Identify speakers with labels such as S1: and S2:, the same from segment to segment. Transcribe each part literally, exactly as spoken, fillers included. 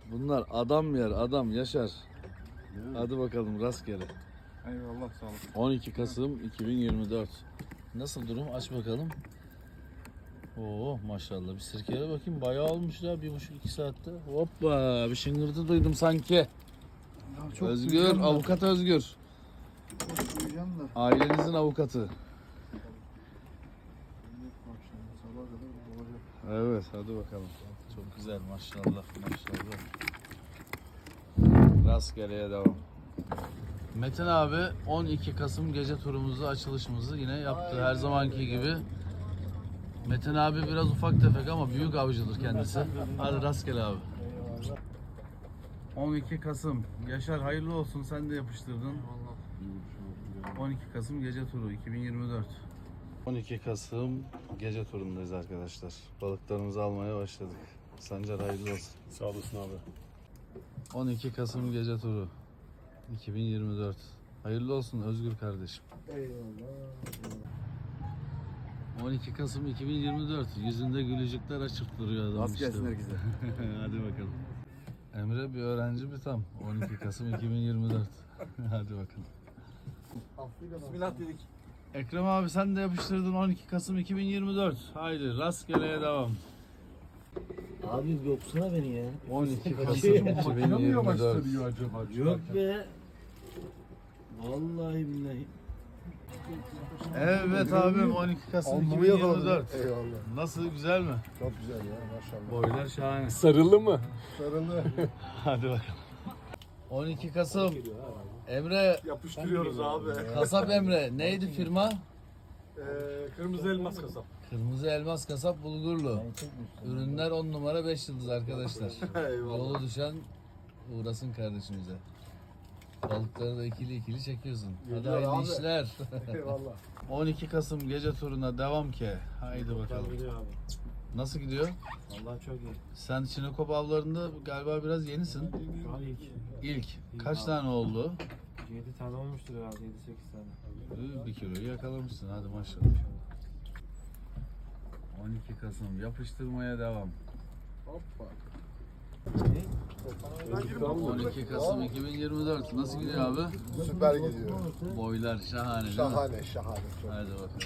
S1: Bunlar adam yer, adam Yaşar. Hadi bakalım rastgele.
S2: Eyvallah sağ olasın.
S1: on iki Kasım iki bin yirmi dört. Nasıl durum? Aç bakalım. Oo maşallah. Bir sirkeye bakayım. Bayağı olmuş ya. Bir buçuk iki saatte. Hoppa. Bir şıngırtı duydum sanki.
S2: Ya çok
S1: Özgür.
S2: duyacağım da.
S1: Avukat Özgür.
S2: Çok duyacağım da.
S1: Ailenizin avukatı.
S2: Bak şimdi sabaha kadar olacak.
S1: Evet. Hadi bakalım. Çok güzel. Maşallah. Maşallah. Rastgeleye devam. Metin abi on iki Kasım gece turumuzu, açılışımızı yine yaptı. Her zamanki gibi. Metin abi biraz ufak tefek ama büyük avcıdır kendisi. Hadi rastgele abi. on iki Kasım. Yaşar hayırlı olsun, sen de yapıştırdın. on iki Kasım gece turu iki bin yirmi dört. on iki Kasım gece turundayız arkadaşlar. Balıklarımızı almaya başladık. Sancar hayırlı olsun.
S3: Sağ olasın abi.
S1: on iki Kasım gece turu iki bin yirmi dört. Hayırlı olsun Özgür kardeşim.
S2: Eyvallah.
S1: on iki Kasım iki bin yirmi dört. Yüzünde gülücükler açık duruyor adam
S2: Az
S1: işte.
S2: gelsin herkese.
S1: Hadi bakalım. Emre bir öğrenci bir tam. on iki Kasım iki bin yirmi dört. Hadi bakalım.
S2: Bismillah dedik.
S1: Ekrem abi sen de yapıştırdın on iki Kasım iki bin yirmi dört. Haydi rastgeleye devam.
S4: Abi yoksana beni ya.
S1: on iki Kasım iki bin yirmi dört.
S2: acaba?
S4: Yok be. Vallahi billahi.
S1: Evet abim on iki Kasım iki bin
S2: Alnımı
S1: yirmi
S2: yakaladım.
S1: dört.
S2: Eyvallah.
S1: Nasıl, güzel mi?
S2: Çok güzel ya maşallah.
S1: Boylar şahane.
S3: Sarılı mı?
S2: Sarılı.
S1: Hadi bakalım. on iki Kasım. Emre,
S2: Yapıştırıyoruz abi.
S1: kasap Emre. Neydi firma?
S2: Ee, kırmızı elmas kasap.
S1: Kırmızı Elmas Kasap Bulgurlu. Ürünler on numara beş yıldız arkadaşlar.
S2: Eyvallah.
S1: Yolu düşen uğrasın kardeşimize. Balıkları da ikili ikili çekiyorsun. Hadi
S2: Geliyor
S1: hayırlı
S2: abi.
S1: işler.
S2: Eyvallah.
S1: on iki Kasım gece turuna devam ki. Haydi bakalım.
S4: Gidiyor abi.
S1: Nasıl gidiyor?
S4: Vallahi çok iyi.
S1: Sen Çinekop avlarında galiba biraz yenisin.
S4: Şu an ilk.
S1: İlk. Kaç tane oldu?
S4: yedi tane olmuştur herhalde. yedi sekiz tane.
S1: Bir kiloyu yakalamışsın. Hadi maşallah. on iki Kasım yapıştırmaya devam.
S2: Hoppa.
S1: on iki Kasım iki bin yirmi dört. Nasıl gidiyor abi?
S2: Süper gidiyor.
S1: Boylar şahane değil mi?
S2: Şahane şahane. Çok.
S1: Hadi bakalım.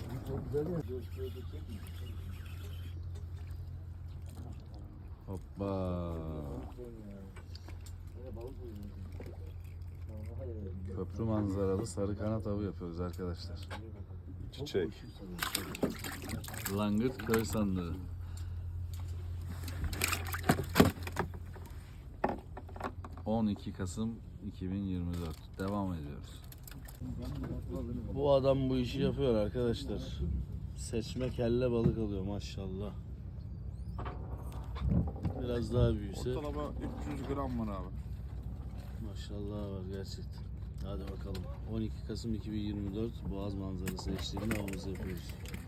S1: Hoppa. Köprü manzaralı sarı kanat avı yapıyoruz arkadaşlar.
S3: Çiçek.
S1: Langırt köy sandığı. on iki Kasım iki bin yirmi dört. Devam ediyoruz. Bu adam bu işi yapıyor arkadaşlar. Seçme kelle balık alıyor maşallah. Biraz daha büyüse
S2: Ortalama üç yüz gram var abi.
S1: maşallah var gerçekten. Hadi bakalım. on iki Kasım iki bin yirmi dört Boğaz manzarası eşliğinde avımızı yapıyoruz.